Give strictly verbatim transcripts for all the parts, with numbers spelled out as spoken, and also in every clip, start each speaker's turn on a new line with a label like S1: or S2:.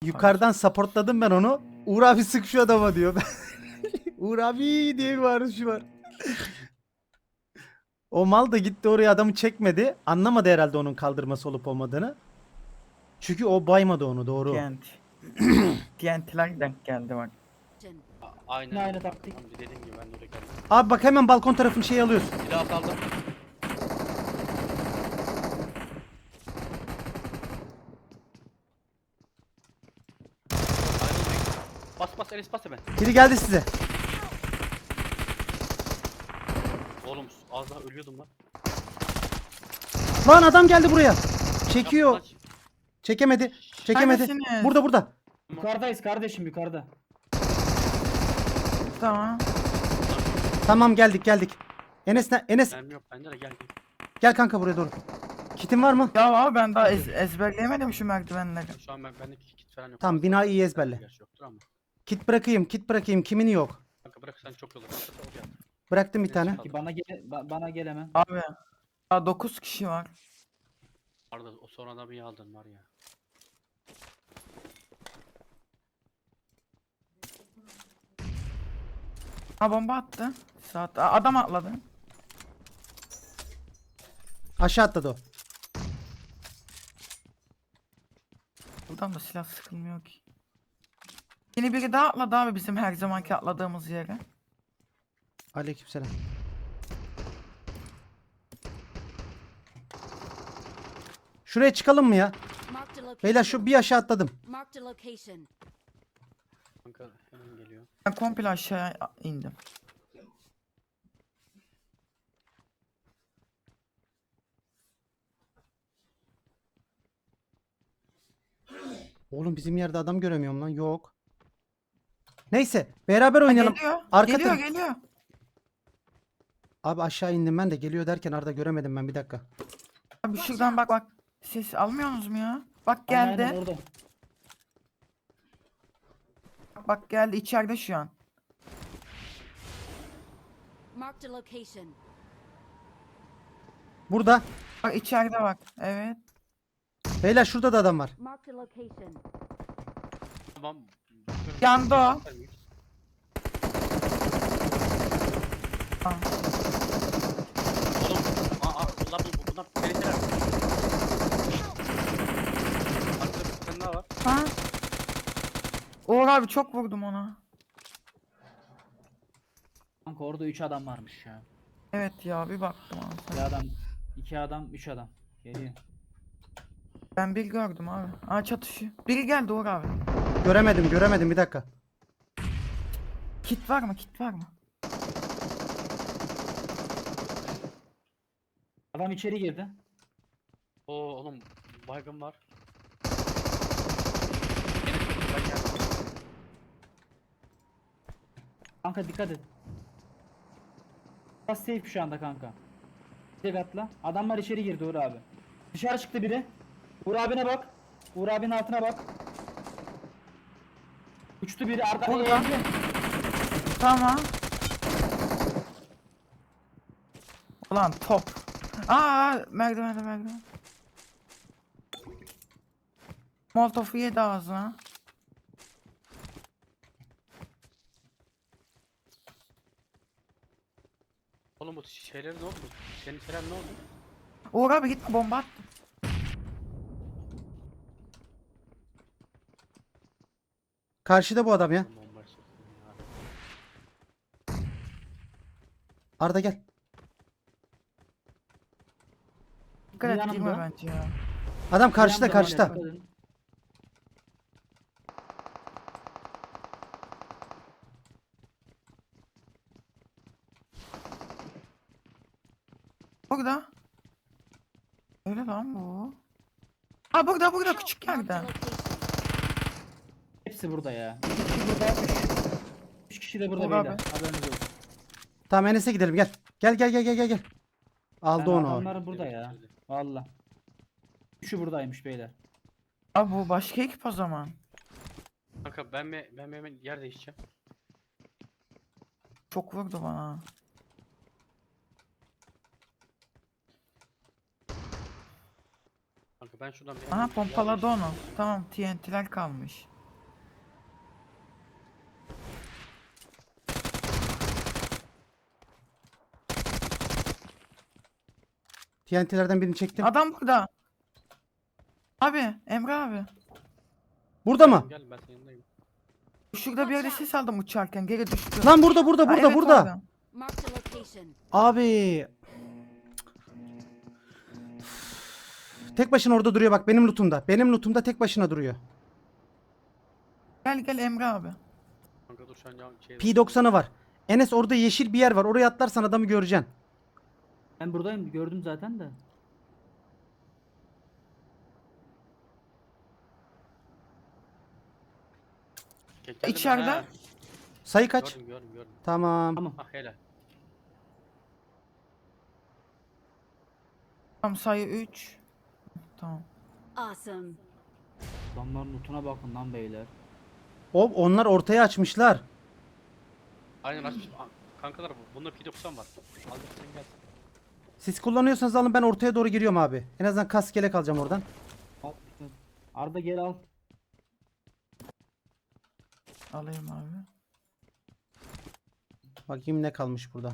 S1: yukarıdan supportladım ben onu. Uğur abi sık şu adama diyor. Uğur abi diye bir bağırışı var. O mal da gitti oraya, adamı çekmedi. Anlamadı herhalde onun kaldırması olup olmadığını. Çünkü o baymadı onu, doğru.
S2: T N T. T N T'ler denk geldi bak.
S3: A- Aynen.
S4: Aynı
S3: öyle.
S4: taktik.
S3: Tamam, dediğim gibi ben de oraya geldim.
S1: Abi bak, hemen balkon tarafını şey alıyorsun.
S3: Silah saldım. Aynen. Bas bas Enes bas hemen.
S1: Biri geldi size.
S3: Oğlum az daha ölüyordum lan.
S1: Lan adam geldi buraya. Çekiyor.
S3: Kaç, kaç.
S1: Çekemedi. Çekemedi.
S2: Neredesiniz?
S1: Burada burada.
S4: Yukarıdayız kardeşim yukarıda.
S2: Tamam.
S1: Tamam, geldik geldik. Enes ne? Enes
S3: Mermi yok bende de gel. gel.
S1: gel kanka buraya doğru. Kitin var mı?
S2: Ya abi ben daha ez ezberleyemedim şu merdivenleri.
S3: Şu an ben bende kit falan yok.
S1: Tamam, binayı iyi ezberle.
S3: Gerçi yoktur ama.
S1: Kit bırakayım, kit bırakayım. Kimin yok?
S3: Kanka bırak sen çok yolu. Kanka, oraya.
S1: Bıraktım bir tane.
S4: Ki bana gele ba- bana gel hemen.
S2: Abi. Daha dokuz kişi var.
S3: Arda o sonradan bir aldın var ya.
S2: Ha bomba attı. Saat Aa, adam atladı.
S1: Aşağı atladı o.
S2: Buradan da silah sıkılmıyor ki. Yine biri daha atladı abi bizim her zamanki atladığımız yere.
S1: Aleykümselam. Şuraya çıkalım mı ya?
S5: Marked a location.
S1: Beyler şu bir aşağı atladım.
S5: Marked a location.
S3: Kanka hemen geliyor.
S2: Ben komple aşağıya indim.
S1: Oğlum bizim yerde adam göremiyorum lan. Yok. Neyse beraber
S2: Ha,
S1: oynayalım.
S2: geliyor.
S1: Arka
S2: geliyor
S1: taraf-
S2: geliyor.
S1: Abi aşağı indim ben de, geliyor derken Arda göremedim ben, bir dakika.
S2: Abi şuradan bak bak. Ses almıyorsunuz mu ya? Bak
S4: Aynen,
S2: geldi.
S4: aynen, orada.
S2: Bak, bak geldi içeride şu an.
S5: Marked a location.
S1: Burada.
S2: Bak içeride bak. Evet.
S1: Beyler şurada da adam var.
S5: Marked a location.
S3: Tamam. bakıyorum.
S2: Yandı o.
S3: Göster miyiz?
S2: Aa,
S3: Oğlum. Aa, aa bunlar bu- bunlar tehlikeli. Arkada bir tane daha var.
S2: Ha? Uğur abi çok vurdum ona.
S4: Kanka orada üç adam varmış ya.
S2: Evet ya bir baktım abi.
S4: Bir adam, iki adam, üç adam. Geliyor.
S2: Ben bir gördüm abi. Aa çatışıyor. Biri geldi Uğur abi.
S1: Göremedim göremedim, bir dakika.
S2: Kit var mı? Kit var mı?
S4: Adam içeri girdi.
S3: Oo oğlum baygın var. Enes ben geldim.
S4: Kanka dikkat et. Biraz safe şu anda kanka. Tek atla. Adamlar içeri girdi Uğur abi. Dışarı çıktı biri. Uğur abine bak. Uğur abinin altına bak. Uçtu biri arka
S2: Burada.
S4: eğildi.
S2: Tamam. Ulan top. Aa merdivende merdiven. Molotof'u yedi ağzına.
S3: Oğlum bu şeyler ne oldu? Senin şeyler ne oldu?
S2: Uğur abi gitme bomba attım.
S1: Karşıda bu adam ya.
S3: Bombayı soktum ya.
S1: Arda gel.
S2: Dikkat et
S4: Yanımda.
S2: girme bence ya.
S1: Adam karşıda
S4: Yanımda,
S1: karşıda.
S4: dikkat edin.
S2: Burada. Öyle lan bu. Aa burada burada küçük
S5: Marked a
S2: yerde.
S5: location.
S4: Hepsi burada ya. İki kişi burada. Üç, üç kişi de burada
S2: Uğur
S4: beyler.
S2: abi.
S4: Haberiniz olsun.
S1: Tamam Enes'e gidelim, gel. Gel gel gel gel gel gel. Aldı
S4: Ben
S1: onu. o.
S4: adamları burada ya. Valla. Üçü buradaymış beyler.
S2: Aa bu başka ekip o zaman.
S3: Kanka ben mi ben mi hemen yer değişeceğim.
S2: Çok vurdu bana.
S3: Kanka ben şuradan bir
S2: Aha
S3: yer
S2: pompaladı
S3: değiştireyim.
S2: onu. Tamam T N T'ler kalmış.
S1: T N T'lerden birini çektim.
S2: Adam burada. Abi Emre abi.
S1: Burada mı?
S3: Gel ben senin yanındayım.
S2: Şurada bir yerde ses aldım uçarken geri düştü.
S1: Lan burada burada
S2: Ha,
S1: burada
S2: evet,
S1: burada.
S2: orada.
S5: Marked a location.
S1: Abi. Tek başına orada duruyor bak benim lootumda. Benim lootumda tek başına duruyor.
S2: Gel gel Emre abi.
S3: Kanka dur şu an ya- şey
S1: P doksanı var. Enes orada yeşil bir yer var. Oraya atlarsan adamı göreceksin.
S4: Ben buradayım gördüm zaten de.
S3: Gel- geldim ben,
S2: İçeride.
S3: ha.
S1: Sayı kaç?
S3: Gördüm gördüm gördüm.
S1: Tamam.
S4: Tamam.
S3: Ah helal.
S2: Tam sayı üç. Tamam.
S5: Awesome.
S4: Adamların lootuna bakın lan beyler.
S1: O onlar ortaya açmışlar.
S3: Aynen açmış. Ah, kankalar bu- bunda P doksan var. Al sen gel.
S1: Siz kullanıyorsanız alın ben ortaya doğru giriyorum abi. En azından kask yelek alacağım oradan.
S4: Al. Arda gel al.
S2: Alayım abi.
S1: Bakayım ne kalmış burada.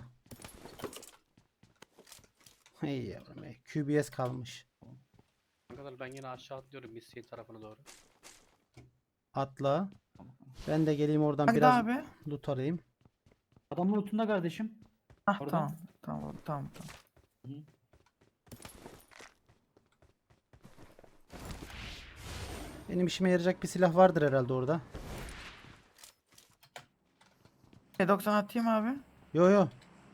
S1: Hey yavrum hey. Q B S kalmış.
S3: Kankalar ben yine aşağı atlıyorum Missy tarafına doğru.
S1: Atla. Ben de geleyim oradan
S2: Hadi
S1: biraz
S2: abi.
S1: loot alayım.
S4: Adamın lootunda kardeşim.
S2: Ah
S4: Orada.
S2: tamam. Tamam tamam tamam.
S1: Benim işime yarayacak bir silah vardır herhalde orada.
S2: P doksan atayım abi.
S1: Yo yo.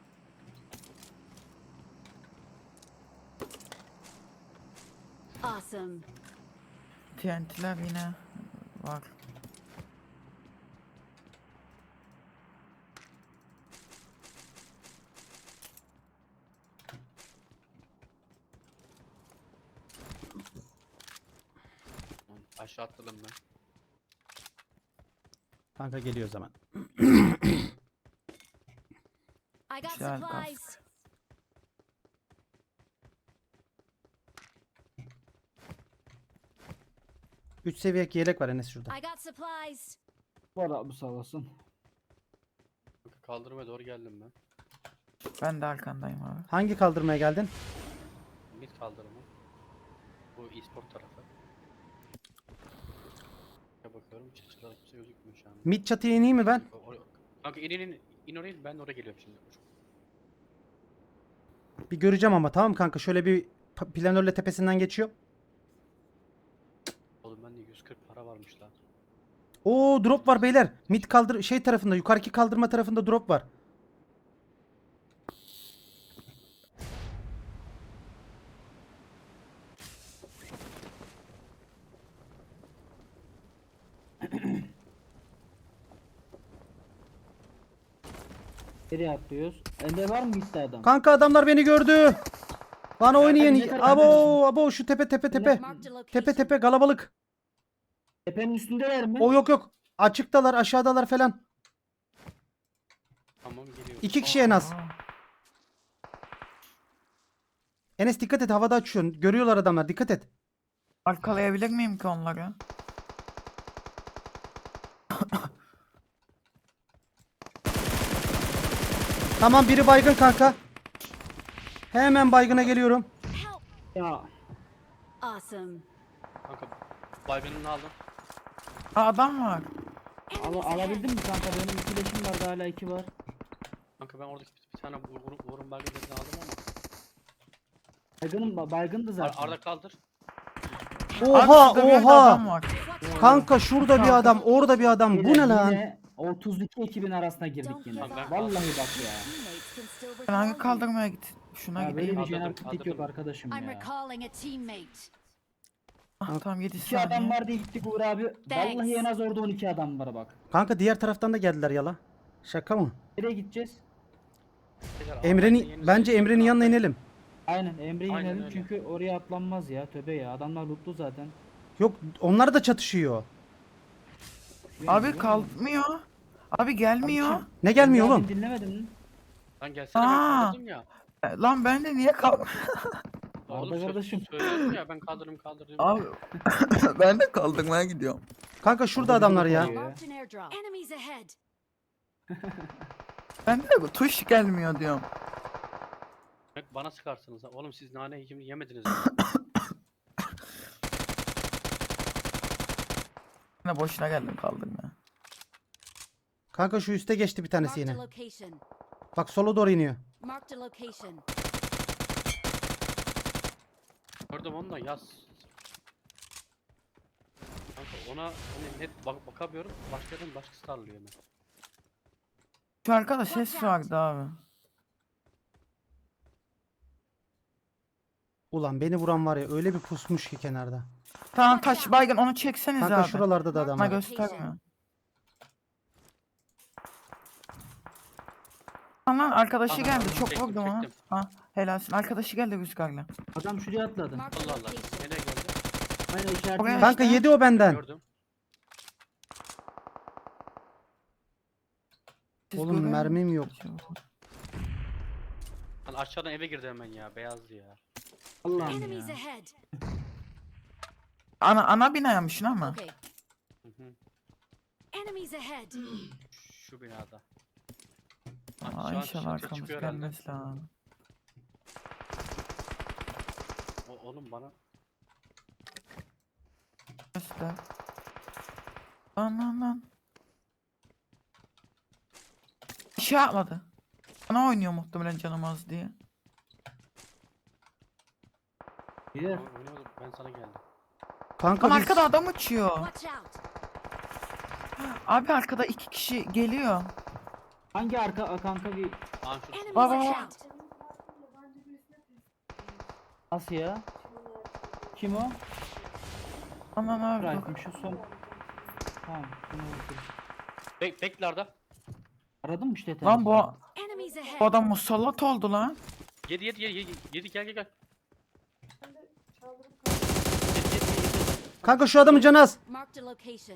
S5: Awesome.
S2: T N T'ler yine var.
S3: Aşağı atladım ben.
S1: Kanka geliyor o zaman.
S5: I got
S2: Güzel
S5: supplies.
S2: kask.
S1: üç seviye yelek var Enes şurada.
S5: I got supplies.
S4: Var abi sağ olasın.
S3: Kanka kaldırmaya doğru geldim ben.
S2: Ben de arkandayım abi.
S1: Hangi kaldırmaya geldin?
S3: Mid kaldırımı. Bu e-sport tarafı. Ya bakıyorum çıkışlarda kimse gözükmüyor şu an.
S1: Mid çatıya ineyim mi ben?
S3: O- o- Kanka in in in, in oraya ben de oraya geliyorum şimdi.
S1: Bir göreceğim ama tamam kanka şöyle bir pa- planörle tepesinden geçiyor.
S3: Oğlum bende yüz kırk para varmış lan.
S1: Oo drop var beyler. Mid kaldır şey tarafında yukarıki kaldırma tarafında drop var.
S4: Nereye atlıyoruz? Ende var mı gitti adam?
S1: Kanka adamlar beni gördü. Bana
S4: ne
S1: oynayın.
S4: tarafa
S1: Abo abo şu tepe tepe tepe.
S5: Marked a location.
S1: Tepe tepe kalabalık.
S4: Tepenin üstündeler mi?
S1: O yok yok. Açıktalar aşağıdalar falan.
S3: Tamam geliyorum.
S1: İki kişi en az.
S2: Aa,
S1: Enes dikkat et havada açıyorsun. Görüyorlar adamlar dikkat et.
S2: arkalayabilir miyim ki onları?
S1: Tamam biri baygın kanka. Hemen baygına geliyorum.
S5: Help.
S4: Ya
S5: Awesome.
S3: Kanka baygınını aldım.
S2: Aa, adam var.
S4: al
S5: Enemies ahead.
S4: alabildin mi kanka? Benim iki leşim vardı hala iki var.
S3: Kanka ben oradaki bir, bir tane vur, vur, vurun baygınını aldım ama.
S4: Baygınım ba- baygındı
S3: Ar
S4: zaten.
S3: Arda kaldır.
S1: Oha
S2: Abi, şurada bir yerde
S1: oha.
S2: adam var.
S5: Watch out.
S1: Kanka şurada bir adam, orada bir adam. Bu
S4: Yine-
S1: ne lan?
S4: Yine otuz iki ekibin arasına girdik
S5: Don't
S4: yine.
S5: give
S3: up.
S4: Vallahi bak ya.
S5: Teammates can still
S2: Ben hangi
S5: recall you.
S2: kaldırmaya git? Şuna
S4: Ya böyle
S2: gideyim.
S4: bir
S3: Kaldırdım,
S4: jenerik yok
S3: kaldırdım.
S4: arkadaşım
S5: I'm
S4: ya.
S5: recalling a teammate.
S2: Ah, tamam yedi
S4: İki adam
S2: saniye.
S4: var diye gittik Uğur abi. Vallahi en az orada on iki adam var bak.
S1: Kanka diğer taraftan da geldiler yala. Şaka mı?
S4: Nereye gideceğiz?
S3: Beyler,
S1: Emre'nin
S3: Ahmet'in
S1: bence
S3: yeni
S1: Emre'nin yanına inelim.
S4: Aynen Emre'yi
S3: Aynen
S4: inelim
S3: öyle.
S4: çünkü oraya atlanmaz ya. Töbe ya. Adamlar lootlu zaten.
S1: Yok onlar da çatışıyor.
S2: Abi kalkmıyor. Abi gelmiyor.
S1: Ne gelmiyor
S4: Emre
S1: oğlum?
S4: abini dinlemedin mi?
S3: Lan gelsene ben
S2: Aa.
S3: kaldırdım ya.
S2: E, Lan ben de niye kalk...
S3: Oğlum
S4: Arda
S3: sö-
S4: kardeşim.
S3: söylüyorum ya ben kaldırdım kaldırdım.
S2: Abi ben de kaldırmaya gidiyorum.
S1: Kanka şurada
S4: Orada
S1: adamlar
S4: biri
S1: ya.
S4: koyuyor.
S5: Marked an airdrop. Enemies ahead.
S2: Ben de bu tuş gelmiyor diyorum.
S3: Bak bana sıkarsınız ha. Oğlum siz nane yiyeceğimi yemediniz mi?
S2: Yine boşuna geldim kaldım ya.
S1: Kanka şu üste geçti bir tanesi
S5: Marked a
S1: yine.
S5: location.
S1: Bak sola doğru iniyor.
S5: Marked a location.
S3: Gördüm onu da yaz. Kanka ona hani net bak bakamıyorum. Başka yerden başkası tarlıyor hemen.
S2: Şu arkada ses vardı abi.
S1: Ulan beni vuran var ya öyle bir pusmuş ki kenarda.
S2: Tamam taş baygın onu çekseniz
S1: Kanka
S2: abi.
S1: şuralarda da adam
S2: Bana
S1: var.
S2: göstermiyor. Lan arkadaşı
S3: Aha,
S2: geldi
S3: tamam,
S2: çok
S3: çektim,
S2: vurdum ona.
S3: çektim.
S2: Ha helalsin. Arkadaşı geldi rüzgarla.
S4: Adam şuraya atladı.
S5: Marked a
S3: Allah Allah.
S5: location.
S3: Nereye geldi?
S4: Aynen işaretini.
S2: Oraya-
S1: Kanka
S2: işte.
S1: yedi o benden.
S3: Gördüm.
S2: Siz
S1: Oğlum
S2: görüyor
S1: mermim yok.
S2: musunuz?
S3: Lan aşağıdan eve girdi hemen ya. Beyazdı ya.
S4: Allah'ım
S5: Enemies
S4: ya.
S5: ahead.
S2: Ana ana binaymışsın ama.
S5: Okay.
S3: Hı hı.
S5: Enemies ahead.
S3: Şu binada. Bak,
S2: Aa,
S3: şu an
S2: inşallah
S3: çatı
S2: arkamız
S3: çıkıyor herhalde.
S2: gelmez lan.
S3: O, oğlum bana.
S2: Göster. Lan lan lan. Bir şey yapmadı. Bana oynuyor muhtemelen canım az diye.
S4: Bir.
S3: Oynamadım, ben sana geldim.
S1: Kanka
S2: Lan
S1: biz...
S2: arkada adam uçuyor.
S5: Watch out.
S2: Abi arkada iki kişi geliyor.
S4: Hangi arka a, kanka bir
S3: Aa şu
S5: Enemies
S2: Baba.
S5: ahead.
S4: nasıl ya? Kim o?
S2: Aman abi.
S4: Bıraktım şu son. Tamam. Şunu vurdum.
S3: Bek bekle Arda.
S4: Aradın mı işte?
S2: Lan bu,
S5: Enemies
S2: bu
S5: ahead.
S2: adam musallat oldu lan.
S3: Yedi yedi yedi yedi yedi gel gel gel. Yedi, yedi, yedi.
S1: Kanka şu adamın canı az.
S5: Marked a location.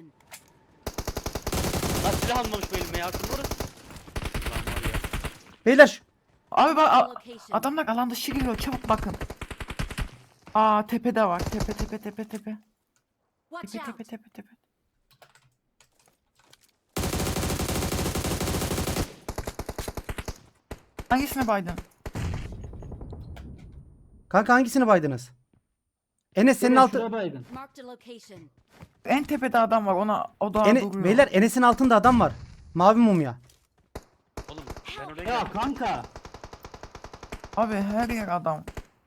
S3: Lan silah almamış bu elime ya. Şunu vurun. Lan var ya.
S1: Beyler şu-
S2: Abi bak
S5: Marked a
S2: a-
S5: location.
S2: adamlar alan dışı geliyor çabuk bakın. Aa tepede var tepe tepe tepe tepe.
S5: Watch
S2: Tepe
S5: out.
S2: tepe tepe tepe. Hangisine baydın?
S1: Kanka hangisini baydınız? Enes senin
S4: Şuraya,
S1: altı...
S4: şuraya baygın.
S5: Marked a location.
S2: En tepede adam var ona o da
S1: Ene...
S2: duruyor.
S1: Beyler Enes'in altında adam var. Mavi mumya.
S3: Oğlum ben oraya
S4: Ya
S3: geldim.
S4: kanka.
S2: Abi her yer adam.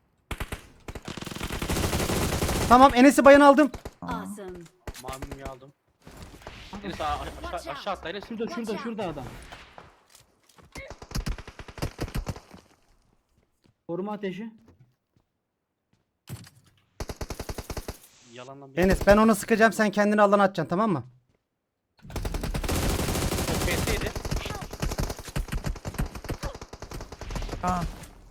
S1: Tamam Enes'i bayan aldım.
S5: Awesome.
S3: Mamimi aldım. Enes a- aşağı, aşağı atla Enes.
S4: Şurada şurada şurada adam. Koruma ateşi.
S3: Yalandan bir
S1: Enes ben ona sıkacağım sen kendini alana atacaksın tamam mı?
S3: O P S'ydi.
S2: Ha.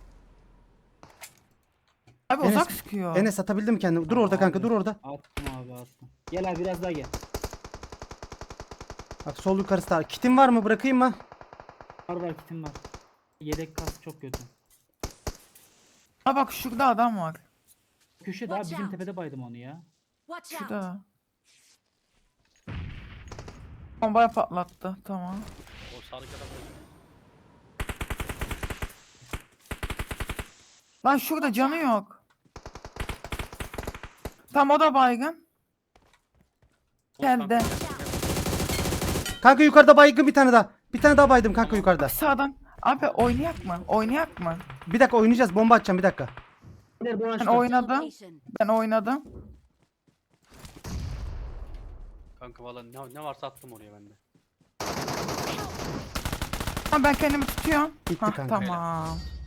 S2: Abi
S1: Enes-
S2: uzak sıkıyor.
S1: Enes atabildim mi kendini? Dur orada kanka
S4: Abi,
S1: dur orada.
S4: Attım abi attım. Gel abi biraz daha gel.
S1: Bak sol yukarısı da. Kitin var mı bırakayım mı?
S4: Var var kitim var. Yedek kas çok kötü.
S2: Ha bak şurada adam var.
S4: Köşe daha
S5: Watch
S4: bizim
S5: out.
S4: tepede baydım onu ya.
S5: Watch out.
S2: Şurada. Bombaya patlattı tamam.
S3: O sağdaki adam da-
S2: Lan şurada canı yok. Tam o da baygın.
S3: O
S2: Geldi.
S3: kanka-
S1: Kanka yukarıda baygın bir tane daha. Bir tane daha baydım kanka yukarıda.
S2: Bak sağdan. Abi oynayak mı? Oynayak mı?
S1: Bir dakika oynayacağız bomba atacağım bir dakika.
S4: Beyler bu
S2: Ben
S4: açtı.
S2: oynadım.
S5: Location.
S2: Ben oynadım.
S3: Kanka valla ne, ne varsa attım oraya ben de.
S2: Ha, ben kendimi tutuyorum.
S1: Bitti
S2: Hah,
S1: kanka.
S2: tamam.